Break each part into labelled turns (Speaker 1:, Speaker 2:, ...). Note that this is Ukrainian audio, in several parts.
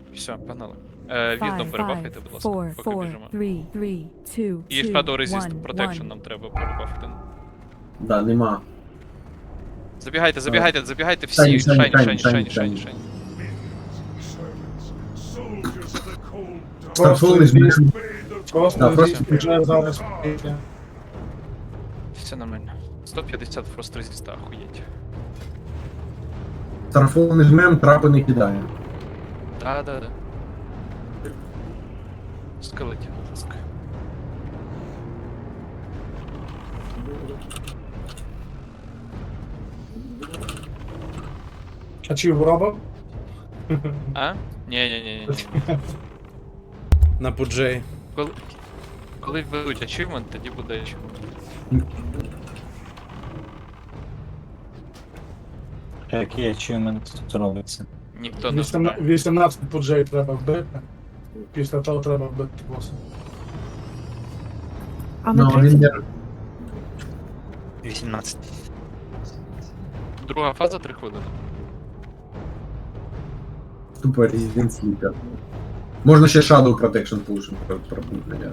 Speaker 1: Все, погнали. Віздом перебафайте, будь ласка,
Speaker 2: 5,
Speaker 1: поки
Speaker 2: 4,
Speaker 1: біжимо.
Speaker 2: 3, 2,
Speaker 1: І Shadow Resist Protection нам треба перебафити.
Speaker 3: Да, нема.
Speaker 1: Забігайте всі.
Speaker 3: Шайні.
Speaker 1: Шайні.
Speaker 3: Старфол із мішем.
Speaker 4: Просто
Speaker 3: Да, просто
Speaker 4: вже зараз.
Speaker 1: Все нормально. 150 Frost Resist, охуєть.
Speaker 3: Старфол не жмем, трапи не кидає.
Speaker 1: Да. Скелетів, будь ласка.
Speaker 4: А чи робив?
Speaker 1: А? Ні.
Speaker 5: На пуджей.
Speaker 1: Коли введуть achievement, тоді буде achievement.
Speaker 6: Який ачівмент тут робиться?
Speaker 1: Ніхто не знає.
Speaker 4: 18 пуджей треба вбити. Після того треба вбити боса.
Speaker 2: On
Speaker 3: Ну,
Speaker 2: the
Speaker 3: він не...
Speaker 6: 18.
Speaker 1: Друга фаза 3 хвилини.
Speaker 3: Тупо Resident Sleeper. Можна ще Shadow Protection пушим пропутнення.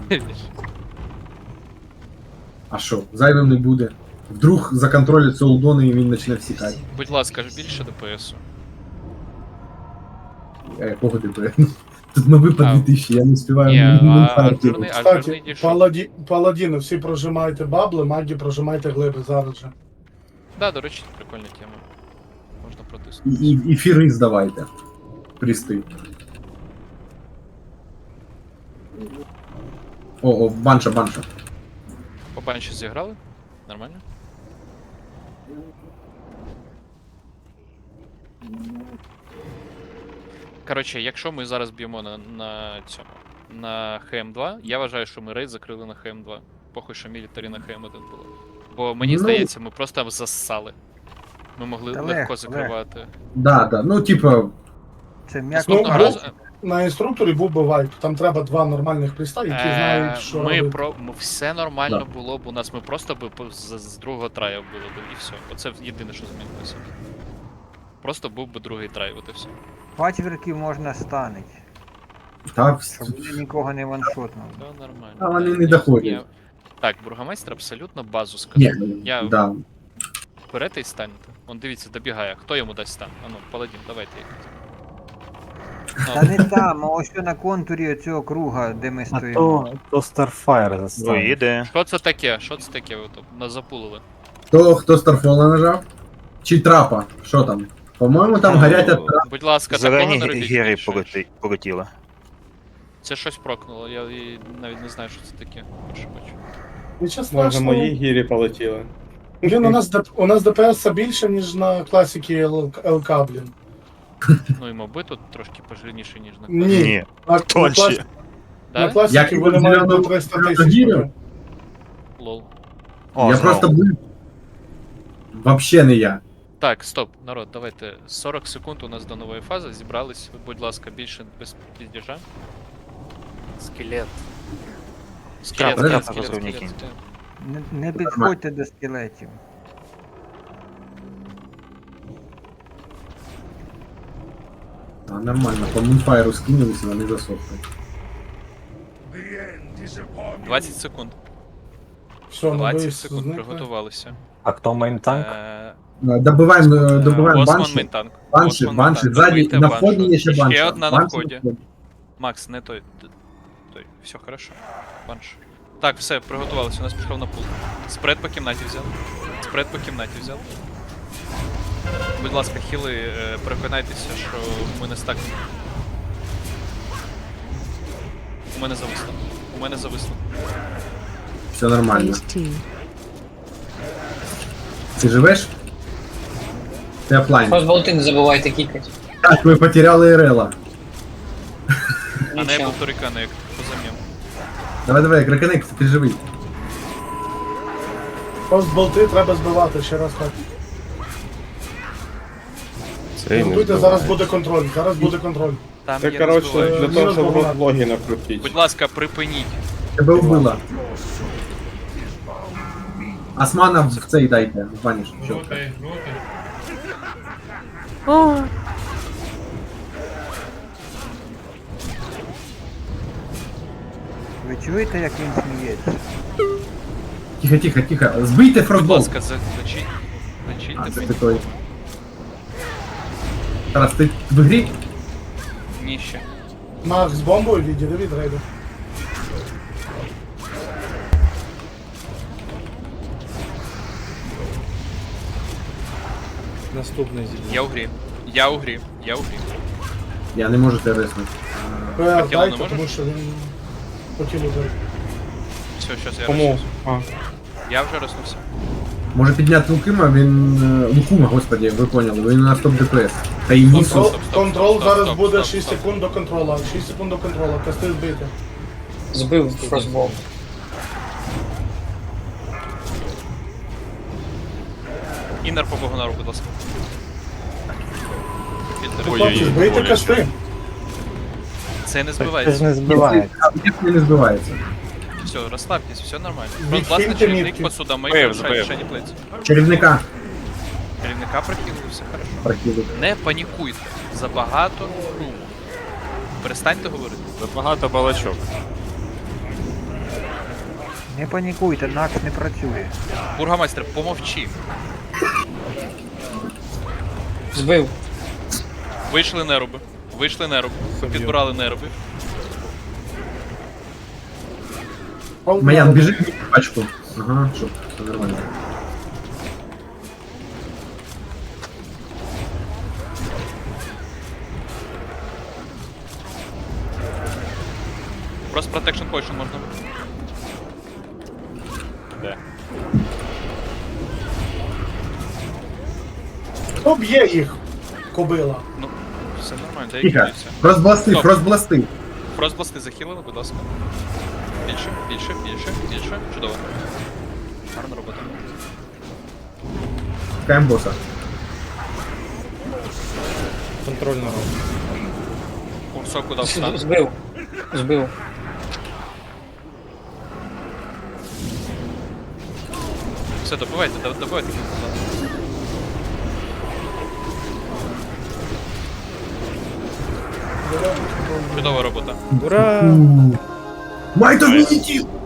Speaker 3: А що, зайвим не буде. Вдруг законтролять солдони і він почне всікати.
Speaker 1: Будь ласка, ж більше ДПС-у.
Speaker 3: Якого ти? Тут новий по
Speaker 1: А.
Speaker 3: 2000, я не співаю.
Speaker 1: Ні,
Speaker 3: ні
Speaker 1: а
Speaker 3: фарти.
Speaker 1: жирний
Speaker 4: Кстати,
Speaker 1: дійшов.
Speaker 4: паладіни, всі прожимайте бабли, маги прожимайте глиби зараз же.
Speaker 1: Да, до речі, прикольна тема. Можна протиснути.
Speaker 3: І фіри здавайте. Присти. О, банша.
Speaker 1: По банші зіграли? Нормально? Коротше, якщо ми зараз б'ємо на цьому, на ХМ2, я вважаю, що ми рейд закрили на ХМ2. Похуй, що мілітарі на ХМ1 було. Бо мені
Speaker 3: Ну.
Speaker 1: здається, ми просто зассали. Ми могли
Speaker 7: Та
Speaker 1: легко
Speaker 7: легко,
Speaker 1: закривати.
Speaker 3: Да. Ну, типа,
Speaker 7: Це м'яко.
Speaker 1: Наступного
Speaker 4: Ну,
Speaker 1: разу
Speaker 4: На інструкторі був би вайп, там треба два нормальних приста, які знають, що робити.
Speaker 1: все нормально було б у нас, ми просто би з другого траю було б і все. Оце єдине, що змінилося. Просто був би другий трай, от і все.
Speaker 7: Пачверків можна станить,
Speaker 3: та
Speaker 7: щоб вони нікого не ваншотнули.
Speaker 1: Все нормально.
Speaker 3: А вони не доходять.
Speaker 1: Ні. Так, бургомайстер абсолютно базу
Speaker 3: ні,
Speaker 1: сказав. Я
Speaker 3: да.
Speaker 1: берете і станете. Он дивіться, добігає. Хто йому дасть стан? Ану, паладін, давайте їх.
Speaker 7: Та не там, а ось на контурі цього круга, де ми
Speaker 6: А
Speaker 7: стоїмо.
Speaker 6: то Starfire заставив.
Speaker 8: Поїде.
Speaker 1: Що це таке? Що це таке? Ви тут нас запулили?
Speaker 3: Хто Старфола нажав? Чи трапа? Що там? По-моєму, там горять от трап.
Speaker 1: Будь ласка, такого
Speaker 8: Зелені
Speaker 1: не робіть.
Speaker 8: гіри
Speaker 1: більше.
Speaker 8: полетіли.
Speaker 1: Це щось прокнуло, я навіть не знаю, що це таке. Перше бачу.
Speaker 4: Нічого
Speaker 5: Може,
Speaker 4: страшного.
Speaker 5: мої гірі полетіли.
Speaker 4: Блін, у нас ДПС ДПС більше, ніж на класіки ЛК, блін.
Speaker 1: Ну і моби тут трошки пожирніше, ніж на
Speaker 4: Ні.
Speaker 8: Ні,
Speaker 4: На
Speaker 8: тонші.
Speaker 4: На
Speaker 1: Да?
Speaker 4: класіки
Speaker 3: Як
Speaker 4: вони
Speaker 3: і
Speaker 4: мають
Speaker 3: зелено-
Speaker 4: до 300
Speaker 3: зелено-
Speaker 4: тисяч.
Speaker 3: гірю?
Speaker 1: Лол.
Speaker 8: О,
Speaker 3: Я
Speaker 8: знову.
Speaker 3: просто був. Вообще не я.
Speaker 1: Так, стоп, народ, давайте. 40 секунд у нас до нової фази. Зібрались, будь ласка, більше без піздіжа. Скелет. Скелет,
Speaker 8: Трапа,
Speaker 1: скелет,
Speaker 8: трапа,
Speaker 1: скелет,
Speaker 8: розумні
Speaker 1: скелет,
Speaker 8: кінь.
Speaker 1: скелет.
Speaker 7: Не підходьте до скелетів.
Speaker 3: А, нормально, по мунфайру скинулись, і вони засохли.
Speaker 1: 20 секунд.
Speaker 4: Все, на
Speaker 1: 20
Speaker 4: виїзд
Speaker 1: секунд,
Speaker 4: зникли.
Speaker 1: приготувалися.
Speaker 6: А хто мейн-танк?
Speaker 3: Добиваємо
Speaker 1: Босман
Speaker 3: банші.
Speaker 1: мейнтанк.
Speaker 3: Банші, ззаді,
Speaker 1: Добийте
Speaker 3: на
Speaker 1: баншу.
Speaker 3: вході є ще банша.
Speaker 1: Ще одна на
Speaker 3: Банша
Speaker 1: вході. Макс, не той. Все хорошо. Банш. Так, все, приготувалися, у нас пішов на пул. Спред по кімнаті взяв. Спред по кімнаті взяв. Будь ласка, хіли, переконайтеся, що ми не стак. У мене зависло. У мене зависло.
Speaker 3: Все нормально.
Speaker 2: Phase 2.
Speaker 3: Ти живеш? Ти офлайн.
Speaker 9: Фастболти не забувайте кікати.
Speaker 3: Так, ми потеряли Ірела.
Speaker 1: А не
Speaker 9: Нічого.
Speaker 1: був турикана, як позам'єм.
Speaker 3: Давай, Кракенек, ти живий.
Speaker 4: Постболти треба збивати, ще раз так.
Speaker 5: Цей не
Speaker 4: Готуйте,
Speaker 5: здобуває.
Speaker 4: зараз буде контроль, зараз буде контроль.
Speaker 1: Там
Speaker 5: Це,
Speaker 1: є
Speaker 5: коротше,
Speaker 1: розбивач.
Speaker 5: для того, щоб
Speaker 4: Мінус
Speaker 5: роблоги накрутити.
Speaker 1: Будь ласка, припиніть.
Speaker 3: Тебе вбила. Османа в цей дайте, в баніш.
Speaker 2: О,
Speaker 7: Ви чуєте, як він сміється?
Speaker 3: Тихо, тихо, тихо. Збийте
Speaker 1: Будь
Speaker 3: фростбол.
Speaker 1: ласка, лечіть.
Speaker 3: А,
Speaker 1: Лечіть
Speaker 3: це ти
Speaker 1: тебе.
Speaker 3: той. Тарас, ти в грі?
Speaker 1: Ні ще.
Speaker 4: Мах з бомбою відійде від рейду.
Speaker 5: Наступний зі.
Speaker 1: Я у грі. Я у грі. Я у грі.
Speaker 3: Я не можу тебе виснути.
Speaker 4: ПР
Speaker 1: тіло не
Speaker 4: дайте,
Speaker 1: можеш?
Speaker 4: тому що він хотів ударити.
Speaker 1: Все, щас я
Speaker 5: Кому?
Speaker 1: рознусь.
Speaker 5: А,
Speaker 1: Я вже рознувся.
Speaker 3: Може підняти Лукима, він... Лукума, господи, ви поняли, він у нас топ ДПС. Та й Нісу.
Speaker 1: Стоп, стоп,
Speaker 4: Контрол
Speaker 1: стоп,
Speaker 4: зараз
Speaker 1: стоп,
Speaker 4: буде
Speaker 1: стоп,
Speaker 4: 6
Speaker 1: стоп.
Speaker 4: секунд до контрола. 6 секунд до контрола. Касти збити.
Speaker 5: збив фростбол.
Speaker 1: Іннер по Богонару, будь ласка. Підтримуй.
Speaker 4: Хлопці, збийте касти.
Speaker 1: Це не
Speaker 6: Це ж
Speaker 1: збивається.
Speaker 6: не збиває.
Speaker 3: Ніхто не збивається.
Speaker 1: Все, розслабтесь, все нормально.
Speaker 4: Відхильте
Speaker 1: Просто власне чарівник
Speaker 4: мітки.
Speaker 1: по судам,
Speaker 5: Збив,
Speaker 1: і
Speaker 5: збив.
Speaker 1: ще не плець.
Speaker 3: Чарівника.
Speaker 1: Керівника прикинули, все хорошо.
Speaker 3: Прокидуть.
Speaker 1: Не панікуйте. Забагато шуму. Перестаньте говорити.
Speaker 5: Багато балачок.
Speaker 7: Не панікуйте, накс не працює.
Speaker 1: Бургомайстер, помовчи.
Speaker 5: Збив.
Speaker 1: Вийшли неруби. Вийшли неруби. Підбирали неруби.
Speaker 3: Маян, біжи в пачку. Ага, щоб все нормально.
Speaker 1: Просто protection potion можна.
Speaker 4: Хто б'є їх? Кобила.
Speaker 1: Ну, все нормально, дай
Speaker 3: Тихо.
Speaker 1: кидаюся.
Speaker 3: Фростбласти,
Speaker 1: Стоп.
Speaker 3: фростбласти.
Speaker 1: Фростбласти захилили, будь ласка. Більше, більше, більше, більше. Чудово. Гарна робота.
Speaker 3: Чекаємо боса.
Speaker 5: Контрольна робота.
Speaker 1: Курсок куди встане.
Speaker 5: Збив. Збив.
Speaker 1: Все, добивайте, добивайте. Чудова робота.
Speaker 5: Ура!
Speaker 3: Might of Medieval!